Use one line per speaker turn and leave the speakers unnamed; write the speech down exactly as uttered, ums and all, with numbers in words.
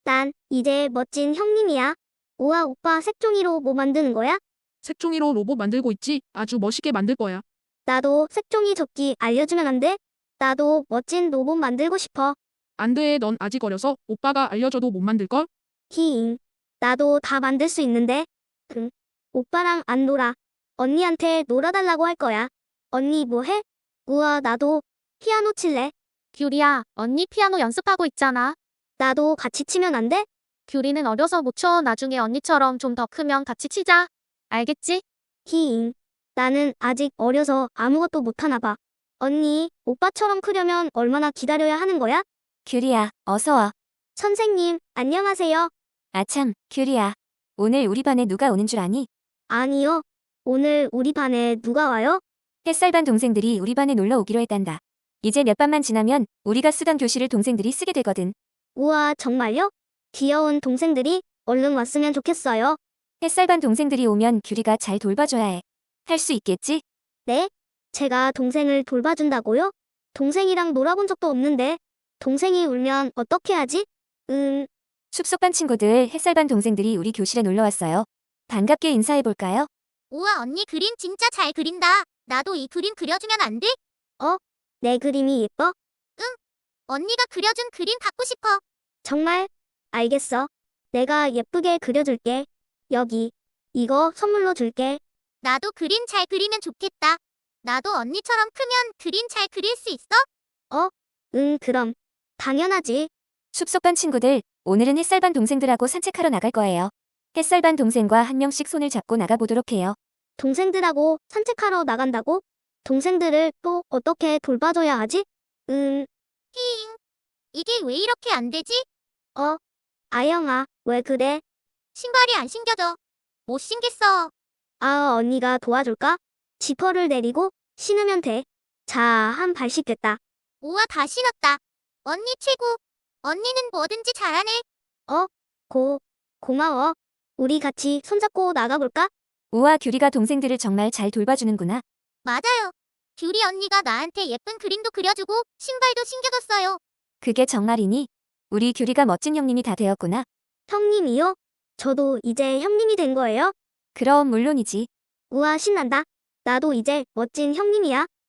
난 이제 멋진 형님이야. 우와, 오빠 색종이로 뭐 만드는 거야?
색종이로 로봇 만들고 있지? 아주 멋있게 만들 거야.
나도 색종이 접기 알려주면 안 돼? 나도 멋진 로봇 만들고 싶어.
안 돼, 넌 아직 어려서 오빠가 알려줘도 못 만들걸?
히잉. 나도 다 만들 수 있는데. 응. 오빠랑 안 놀아. 언니한테 놀아달라고 할 거야. 언니 뭐 해? 우와, 나도 피아노 칠래.
규리야, 언니 피아노 연습하고 있잖아.
나도 같이 치면 안 돼?
규리는 어려서 못 쳐. 나중에 언니처럼 좀 더 크면 같이 치자. 알겠지?
히잉. 나는 아직 어려서 아무것도 못하나 봐. 언니, 오빠처럼 크려면 얼마나 기다려야 하는 거야?
규리야, 어서 와.
선생님, 안녕하세요.
아참, 규리야. 오늘 우리 반에 누가 오는 줄 아니?
아니요. 오늘 우리 반에 누가 와요?
햇살반 동생들이 우리 반에 놀러 오기로 했단다. 이제 몇 반만 지나면 우리가 쓰던 교실을 동생들이 쓰게 되거든.
우와, 정말요? 귀여운 동생들이 얼른 왔으면 좋겠어요.
햇살반 동생들이 오면 규리가 잘 돌봐줘야 해. 할 수 있겠지?
네? 제가 동생을 돌봐준다고요? 동생이랑 놀아본 적도 없는데. 동생이 울면 어떻게 하지? 음,
숲속반 친구들 햇살반 동생들이 우리 교실에 놀러 왔어요. 반갑게 인사해볼까요?
우와, 언니 그림 진짜 잘 그린다. 나도 이 그림 그려주면 안 돼?
내 그림이 예뻐?
언니가 그려준 그림 갖고 싶어.
정말? 알겠어. 내가 예쁘게 그려줄게. 여기. 이거 선물로 줄게.
나도 그림 잘 그리면 좋겠다. 나도 언니처럼 크면 그림 잘 그릴 수 있어?
응, 그럼. 당연하지.
숲속반 친구들, 오늘은 햇살반 동생들하고 산책하러 나갈 거예요. 햇살반 동생과 한 명씩 손을 잡고 나가보도록 해요.
동생들하고 산책하러 나간다고? 동생들을 또 어떻게 돌봐줘야 하지? 음,
히잉. 이게 왜 이렇게 안 되지?
어. 아영아, 왜 그래?
신발이 안 신겨져. 못 신겠어.
아, 언니가 도와줄까? 지퍼를 내리고 신으면 돼. 자, 한 발 씻겠다.
우와, 다 신었다. 언니 최고. 언니는 뭐든지 잘하네.
고, 고마워. 우리 같이 손잡고 나가볼까?
우와, 규리가 동생들을 정말 잘 돌봐주는구나.
맞아요. 규리 언니가 나한테 예쁜 그림도 그려주고 신발도 신겨줬어요.
그게 정말이니? 우리 규리가 멋진 형님이 다 되었구나.
형님이요? 저도 이제 형님이 된 거예요?
그럼 물론이지.
우와, 신난다. 나도 이제 멋진 형님이야.